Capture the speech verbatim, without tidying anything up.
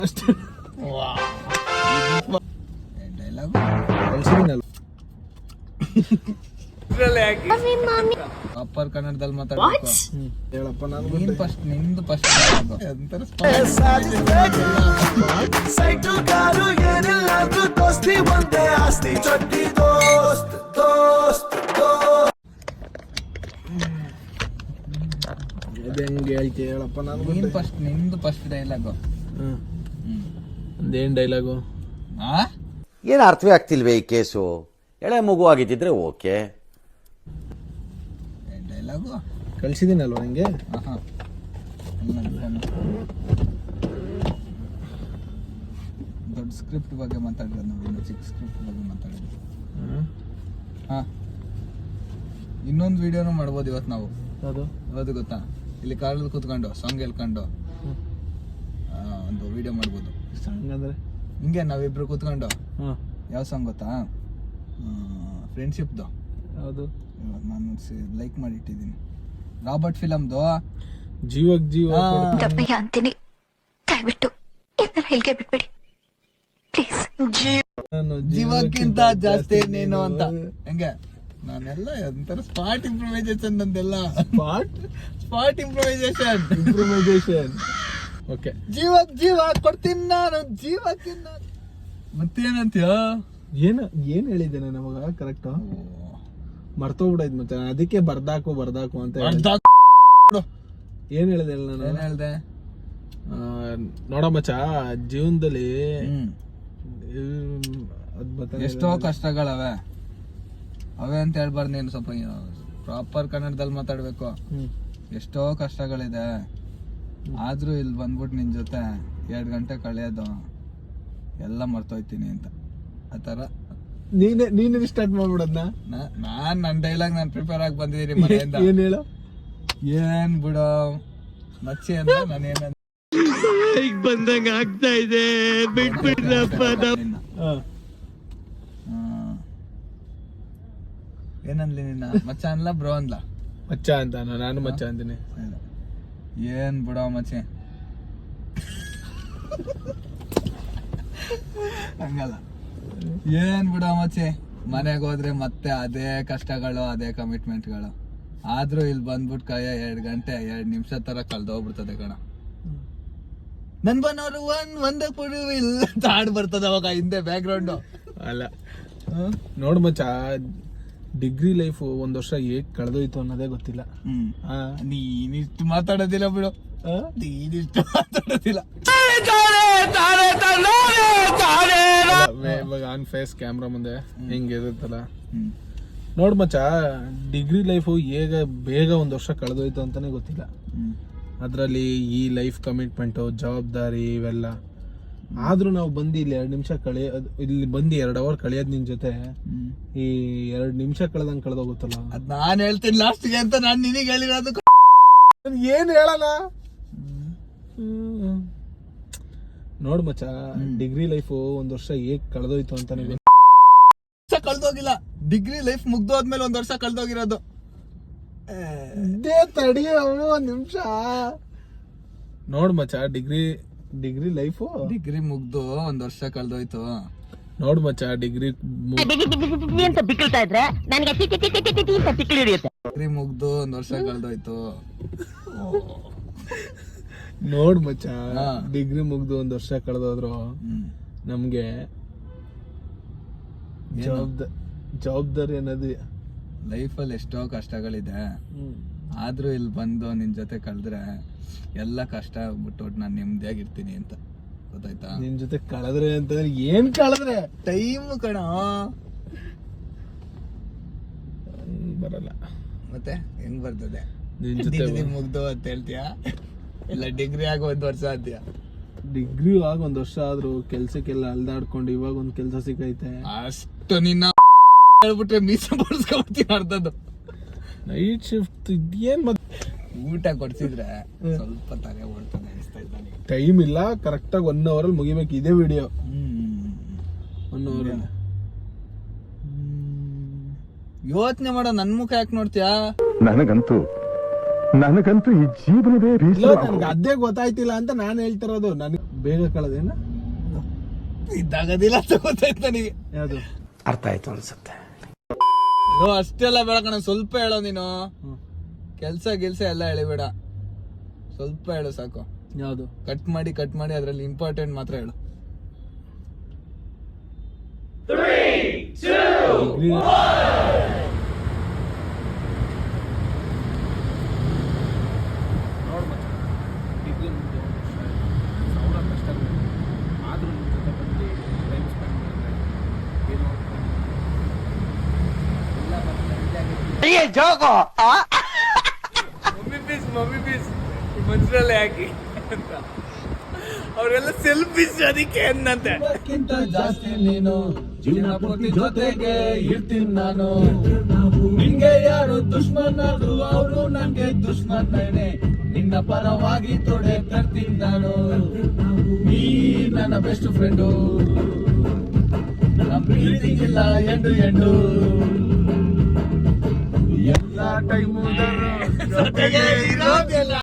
ಅಷ್ಟೇ dialogue proper ಕನ್ನಡದಲ್ಲಿ ಮಾತಾಡ್ಬೇಕು. ಹೇಳಪ್ಪ ನಾನು ನೀನ್ ಫಸ್ಟ್ ನಿಂದು ಫಸ್ಟ್ ಸೈಕಲ್ ಕಾರು ಏನಿಲ್ಲ ದೋಸ್ತಿ ಒಂದೇ ಆಸ್ತಿ ಚೊಟ್ಟಿ ದೋಸ್ತ್ ದೋಸ್ತ್ ಹೆಂಗೆ ಹೇಳ್ತಿ ಹೇಳಪ್ಪ ನಾನು ನೀನ್ ಫಸ್ಟ್ ನಿಂದು ಫಸ್ಟ್ ಡೈಲಾಗು. ಹ್ಮ್ ಅದೇನ್ ಡೈಲಾಗು? ಆ ಏನು ಅರ್ಥವೇ ಆಗ್ತಿಲ್ವೇ ಈ ಕೇಸು? ಎಳೆ ಮಗು ಆಗಿದ್ದಿದ್ರೆ ಓಕೆ. ಡೈಲಾಗು ಕಳ್ಸಿದ್ದೀನಲ್ವ ನಿಂಗೆ? ಆಹಾ ದೊಡ್ಡ ಸ್ಕ್ರಿಪ್ಟ್ ಬಗ್ಗೆ ಮಾತಾಡಿದ್ರೆ ನಾವು ಚಿಕ್ಕ ಸ್ಕ್ರಿಪ್ಟ್ ಬಗ್ಗೆ ಮಾತಾಡಿದ್ವಿ. ಹಾ ಇನ್ನೊಂದು ವಿಡಿಯೋನು ಮಾಡ್ಬೋದು ಇವತ್ತು ನಾವು. ಅದು ಅದು ಗೊತ್ತಾ? ಇಲ್ಲಿ ಕಾರಲ್ಲಿ ಕೂತ್ಕೊಂಡು ಸಾಂಗ್ ಹೇಳ್ಕೊಂಡು ಒಂದು ವಿಡಿಯೋ ಮಾಡ್ಬೋದು. ಸಾಂಗ್ ಅಂದ್ರೆ ಹಿಂಗೆ ನಾವಿಬ್ರು ಕೂತ್ಕೊಂಡು ಹಾಂ ಯಾವ ಸಾಂಗ್ ಗೊತ್ತಾ? ಫ್ರೆಂಡ್ಶಿಪ್ದು. ಹೌದು ನಾನು ಲೈಕ್ ಮಾಡಿಟ್ಟಿದ್ದೀನಿ. ರಾಬರ್ಟ್ ಫಿಲಮ್ದು ಜೀವಕ್ ಜೀವ ದಪ್ಪಯ್ಯ ಅಂತೀನಿ, ದಯವಿಟ್ಟು ಇದನ್ನ ಹೇಳಿಕೆ ಬಿಟ್ಬಿಡಿ ಪ್ಲೀಸ್. ಜೀವಕ್ಕಿಂತ ಜಾಸ್ತಿ ನೀನು ಅಂತ. ಹೆಂಗೆ ನಾನೆಲ್ಲ ಒಂಥರ ಸ್ಪಾಟ್ ಇಂಪ್ರೂವೈಸೇಷನ್ ನಂದೆಲ್ಲ. Spot spot improvisation improvisation okay. ಜೀವಕ್ ಜೀವ ಕೊಡ್ತೀನಿ ನಾನು ಜೀವಕ್ಕಿನ್ನ. ಮತ್ತೇನಂತೀಯ? ಏನು ಏನು ಹೇಳಿದ್ದೇನೆ ನಮಗ ಕರೆಕ್ಟ್ ಮರ್ತೋಗ್ಬಿಡೈತ್ ಮತ್ತೆ. ಅದಕ್ಕೆ ಬರ್ದಾಕು ಬರ್ದಾಕು ಅಂತ ಏನ್ ಹೇಳಿದೆ ನಾನು? ಏನ್ ಹೇಳ್ದೆ? ನೋಡ ಮಚ್ಚ, ಜೀವನದಲ್ಲಿ ಎಷ್ಟೋ ಕಷ್ಟಗಳವೆ ಅವೇ ಅಂತ ಹೇಳ್ಬಾರ್ದು. ನೀನು ಸ್ವಲ್ಪ ಪ್ರಾಪರ್ ಕನ್ನಡದಲ್ಲಿ ಮಾತಾಡ್ಬೇಕು. ಎಷ್ಟೋ ಕಷ್ಟಗಳಿದೆ, ಆದ್ರೂ ಇಲ್ಲಿ ಬಂದ್ಬಿಟ್ಟು ನಿನ್ ಜೊತೆ ಎರಡ್ ಗಂಟೆ ಕಳೆಯೋದು ಎಲ್ಲ ಮರ್ತೋಯ್ತೀನಿ ಅಂತ. ಆತರ ನೀನೆ ನೀನೇ ಸ್ಟಾರ್ಟ್ ಮಾಡ್ಬಿಡದ್ನ. ನಾನ್ ನನ್ ಡೈಲಾಗ್ ನಾನ್ ಪ್ರಿಪೇರ್ ಆಗಿ ಬಂದಿದ್ದೀನಿ ಮನೆಯಿಂದ. ಏನ್ ಹೇಳು? ಏನ್ ಬಿಡೋ ಮಚ್ಚಿ ಅಂತ ನಾನು ಏನ ಬಂದಂಗ ಆಗ್ತಾ ಇದೆ, ಬಿಟ್ಬಿಡ್ರಪ್ಪ. ಏನನ್ಲಿ ನಿನ್ನ ಮಚ್ಚ ಅನ್ಲ ಬ್ರೋ ಅನ್ಲ? ಮಚ್ಚ ಅಂತ ನಾನು ಮಚ್ಚ ಅಂತೀನಿ. ಏನ್ ಬಿಡೋ ಮಚ್ಚಿ ಹಂಗಲ್ಲ. ಏನ್ ಬಿಡೋ ಮಚ್ಚಿ, ಮನೆಗೆ ಹೋದ್ರೆ ಮತ್ತೆ ಅದೇ ಕಷ್ಟಗಳು ಅದೇ ಕಮಿಟ್ಮೆಂಟ್ಗಳು. ಆದ್ರೂ ಇಲ್ಲಿ ಬಂದ್ಬಿಟ್ಟು ಕೈಯ ಎರಡ್ ಗಂಟೆ ಎರಡ್ ನಿಮಿಷ ತರ ಕಳ್ದೋಗ್ಬಿಡ್ತದೆ ಕಣ. ನನ್ ಬನ್ನೋರು ಒಂದ್ ಒಂದೇ ಪುಡುವಿಲ್ಲ ಹಾಡು ಬರ್ತದ ಅವಾಗ ಹಿಂದೆ ಬ್ಯಾಕ್ ಗ್ರೌಂಡ್. ಅಲ್ಲ ನೋಡ್ ಮಚ್ಚ, ಡಿಗ್ರಿ ಲೈಫ್ ಒಂದ್ ವರ್ಷ ಹೇಗ್ ಕಳೆದೋಯ್ತು ಅನ್ನೋದೇ ಗೊತ್ತಿಲ್ಲ. ನೀನಿಷ್ಟು ಮಾತಾಡೋದಿಲ್ಲ ಬಿಡು, ನೀನಿಷ್ಟು ಮಾತಾಡೋದಿಲ್ಲ. ಇವಾಗ ಆನ್ ಫೇಸ್ ಕ್ಯಾಮ್ರಾ ಮುಂದೆ ಹಿಂಗಿರುತ್ತಲ್ಲ. ನೋಡ್ ಮಚ್ಚ, ಡಿಗ್ರಿ ಲೈಫು ಹೇಗ ಬೇಗ ಒಂದ್ ವರ್ಷ ಕಳೆದೋಯ್ತು ಅಂತಾನೆ ಗೊತ್ತಿಲ್ಲ. ಅದ್ರಲ್ಲಿ ಈ ಲೈಫ್ ಕಮಿಟ್ಮೆಂಟು, ಜವಾಬ್ದಾರಿ ಇವೆಲ್ಲ. ಆದ್ರೂ ನಾವು ಬಂದು ಇಲ್ಲಿ ಎರಡ್ ನಿಮಿಷ ಕಳೆಯ ಇಲ್ಲಿ ಬಂದು ಎರಡ್ ಅವರ್ ಕಳೆಯೋದ್ ನಿನ್ ಜೊತೆ ಈ ಎರಡ್ ನಿಮಿಷ ಕಳೆದಂಗ್ ಕಳೆದೋಗುತ್ತಲ್ಲ. ಅದ್ ನಾನ್ ಹೇಳ್ತೀನಿ ಲಾಸ್ಟ್ಗೆ ಅಂತ ನಾನ್ ನಿನಗೆ ಹೇಳಿರೋದು. ಏನ್ ಹೇಳಲ್ಲ. ನೋಡ್ ಮಚ್ಚ, ಡಿಗ್ರಿ ಲೈಫ್ ಒಂದ್ ವರ್ಷ ಹೇಗ್ ಕಳೆದೋಯ್ತು ಅಂತಾನೆ ಕಳ್ದೋಗಿಲ್ಲ. ಡಿಗ್ರಿ ಲೈಫ್ ಮುಗ್ದೋದ್ಮೇಲೆ ಒಂದ್ ವರ್ಷ ಕಳ್ದೋಗಿರೋದು. ತಡಿ ಒಂದ್ ನಿಮಿಷ. ನೋಡ್ ಮಚ್ಚ, ಡಿಗ್ರಿ ಡಿಗ್ರಿ ಲೈಫ್ ಡಿಗ್ರಿ ಮುಗ್ದು ಒಂದ್ ವರ್ಷ ಕಳ್ದೋಯ್ತು. ನೋಡ್ ಮಚ್ಚ, ಡಿಗ್ರಿ ಅಂತ ಬಿಕ್ಕಳ್ತಾ ಇದ್ರೆ ನನಗೆ ಬಿಕ್ಕಳು ಹಿಡಿಯುತ್ತೆ. ಡಿಗ್ರಿ ಮುಗ್ದು ಒಂದ್ ವರ್ಷ ಕಳ್ದೋಯ್ತು. ನೋಡ್ ಮಚ್ಚ, ಡಿಗ್ರಿ ಮುಗ್ದು ಒಂದ್ ವರ್ಷ ಕಳೆದೋದ್ರು ನಮ್ಗೆ ಜವಾಬ್ದಾರಿ ಜವಾಬ್ದಾರಿ ಅನ್ನೋದು ಲೈಫಲ್ಲಿ ಎಷ್ಟೋ ಕಷ್ಟಗಳಿದೆ. ಆದ್ರೂ ಇಲ್ಲಿ ಬಂದು ನಿನ್ ಜೊತೆ ಕಳೆದ್ರೆ ಎಲ್ಲ ಕಷ್ಟ ಬಿಟ್ಟು ನಾನು ನೆಮ್ಮದಿಯಾಗಿರ್ತೀನಿ ಅಂತ. ಗೊತ್ತಾಯ್ತಾ? ನಿನ್ ಜೊತೆ ಕಳೆದ್ರೆ ಅಂತಂದ್ರೆ ಏನ್ ಕಳೆದ್ರೆ ಟೈಮ್ ಕಣ ಬರಲ್ಲ. ಮತ್ತೆ ಹೆಂಗ್ ಬರ್ತದೆ? ನಿನ್ ಜೊತೆ ಡಿಗ್ರಿ ಮುಗ್ದು ಅಂತ ಹೇಳ್ತೀಯಾ, ಇಲ್ಲ ಡಿಗ್ರಿ ಆಗ ಒಂದ್ ವರ್ಷ ಅಂತೀಯ? ಡಿಗ್ರಿ ಆಗ ಒಂದ್ ವರ್ಷ ಆದ್ರೂ ಕೆಲ್ಸಕ್ಕೆಲ್ಲ ಅಲ್ದಾಡ್ಕೊಂಡು ಇವಾಗ ಒಂದ್ ಕೆಲ್ಸ ಸಿಕ್ಕೈತೆ. ಅಷ್ಟು ನಿನ್ನ ಹೇಳ್ಬಿಟ್ರೆ ಮೀಸೆ ಬರ್ಸ್ಕೊಡ್ತೀನಿ ಅರ್ಧದ್ದು. ನೈಟ್ ಶಿಫ್ಟ್ ಇದೇನ್ ಮತ್ತೆ ಊಟ ಕೊಡ್ಸಿದ್ರೆ ಸ್ವಲ್ಪ ತಲೆ ಓಡ್ತಾನೆ ಅನಿಸ್ತಾ ಇದ್ದಾನೆ. ಟೈಮ್ ಇಲ್ಲ, ಕರೆಕ್ಟ್ ಆಗಿ ಒನ್ ಅವರ್ ಅಲ್ಲಿ ಮುಗಿಬೇಕು ಇದೇ ವಿಡಿಯೋ. ಒನ್ ಅವರ್ ಯೋಚನೆ ಮಾಡೋ. ನನ್ ಮುಖ ಯಾಕೆ ನೋಡ್ತೀಯಾ? ನನಗಂತೂ ನನಗಂತೂ ಈ ಜೀವನವೇ ನನ್ಗೆ ಅದೇ ಗೊತ್ತಾಯ್ತಿಲ್ಲ ಅಂತ ನಾನು ಹೇಳ್ತಿರೋದು. ನನ್ ಬೇಗ ಕಳೆದೇನ ಇದಾಗದಿಲ್ಲ ಅಂತ ಗೊತ್ತಾಯ್ತು ನನಗೆ. ಯಾವುದು ಅರ್ಥ ಆಯ್ತು ಅನ್ಸುತ್ತೆ. ನೋ ಅಷ್ಟೆಲ್ಲ ಬೇಡ ಕಣ, ಸ್ವಲ್ಪ ಹೇಳೋ ನೀನು. ಕೆಲ್ಸ ಗಿಲ್ಸ ಎಲ್ಲ ಹೇಳಿಬೇಡ, ಸ್ವಲ್ಪ ಹೇಳು ಸಾಕು. ಯಾವುದು ಕಟ್ ಮಾಡಿ ಕಟ್ ಮಾಡಿ ಅದ್ರಲ್ಲಿ ಇಂಪಾರ್ಟೆಂಟ್ ಮಾತ್ರ ಹೇಳು. ನೋಡ್ ಮಚ್ಚ, ಡಿಗ್ರಿ ಮುಗ್ದು ಸಾವಿರ ಕಷ್ಟಗಳು ಆದ್ರೂ ನಿಮ್ಮ ಜೊತೆ ಬಂದು ಟೈಮ್ ಸ್ಪೆಂಡ್ ಮಾಡಿದ್ರೆ ಏನೋ ಎಲ್ಲ ಮಮ್ಮಿ ಪೀಸ್ ಮಮ್ಮಿ ಪೀಸ್ ಮನ್ಸರಲ್ಲೇ ಹಾಕಿ ಅಂತ ಅವರೆಲ್ಲ ಸೆಲ್ಫಿಶ್, ಅದಕ್ಕೆ ಅನ್ನಂತೆ. ಅದಕ್ಕಿಂತ ಜಾಸ್ತಿ ನೀನು ಜೀವನ ಪೂರ್ತಿ ಜೊತೆಗೆ ಇರ್ತೀನಿ ನಾನು. ನಿಂಗೆ ಯಾರು ದುಶ್ಮನಾದ್ರು ಅವರು ನಂಗೆ ದುಶ್ಮನೇ. ನಿನ್ನ ಪರವಾಗಿ ತೊಡೆ ತರ್ತೀನಿ ನಾನು. ನೀ ನನ್ನ ಬೆಸ್ಟ್ ಫ್ರೆಂಡು, ನಮ್ಮ ಪ್ರೀತಿಗಿಲ್ಲ ಎಂಡು ಎಂಡು. ಎಲ್ಲ ಟೈಮು ಜೊತೆಗೆ ಇರೋದಿಲ್ಲ.